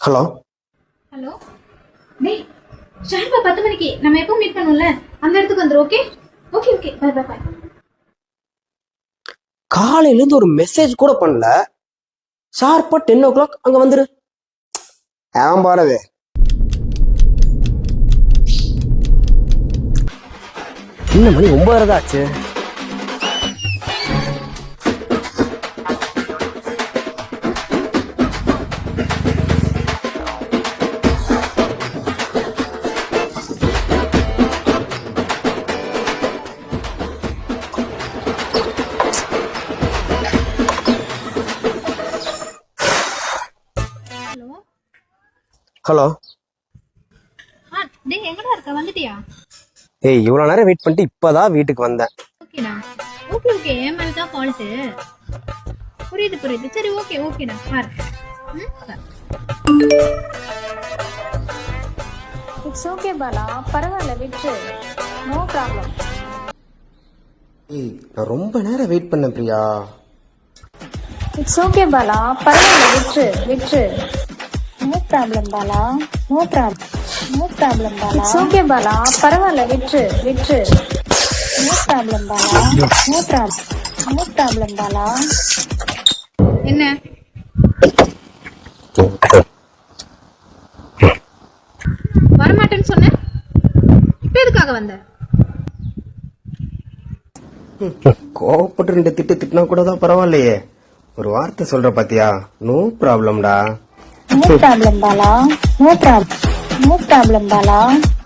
Hello hello டேய் ஷார்ப்பா 10 மணிக்கு நம்ம எப்போ மீட் பண்ணுவோம்ல அந்த இடத்துக்கு வந்துரு. Okay okay okay bye bye bye. காலையிலேருந்து ஒரு மெசேஜ் கூட பண்ணல. ஷார்ப்பா 10 o'clock அங்க வந்துரு. ஏன் பாரது இன்னும் மணி 9:30 தான் ஆச்சு. ஹலோ ஹலோ டேய் எங்கடா இருக்க? வந்துட்டியா? ஏய் இவ்வளோ நேரம் வெயிட் பண்ணிட்டு இப்போதான் வீட்டுக்கு வந்தேன். ஓகேடா ஓகே ஓகே என் மேல தான் ஃபால்ட். புரியுது புரியுது. சரி ஓகே ஓகேடா பாரு. இட்ஸ் ஓகே பாலா, பரவாயில்ல விட்டு, நோ ப்ராப்ளம். ஏய் நான் ரொம்ப நேரம் வெயிட் பண்ணேன் பிரியா. இட்ஸ் ஓகே பாலா, பரவாயில்ல விட்டு விட்டு, no problem Bala, no problem, no problem Bala. It's okay Bala, பரவாயில்ல விட்டு விட்டு, no problem Bala, no problem, no problem Bala. என்ன வரமாட்டேன்னு சொன்ன, இப்ப எதுக்காக வந்த? கோவப்பட்டு 2 திட்டு திட்டினா கூட தான் பரவாயில்லையே. ஒரு வார்த்தை சொல்ற பாத்தியா? நோ ப்ராப்ளம்டா. No problem Bala, no problem, no problem Bala.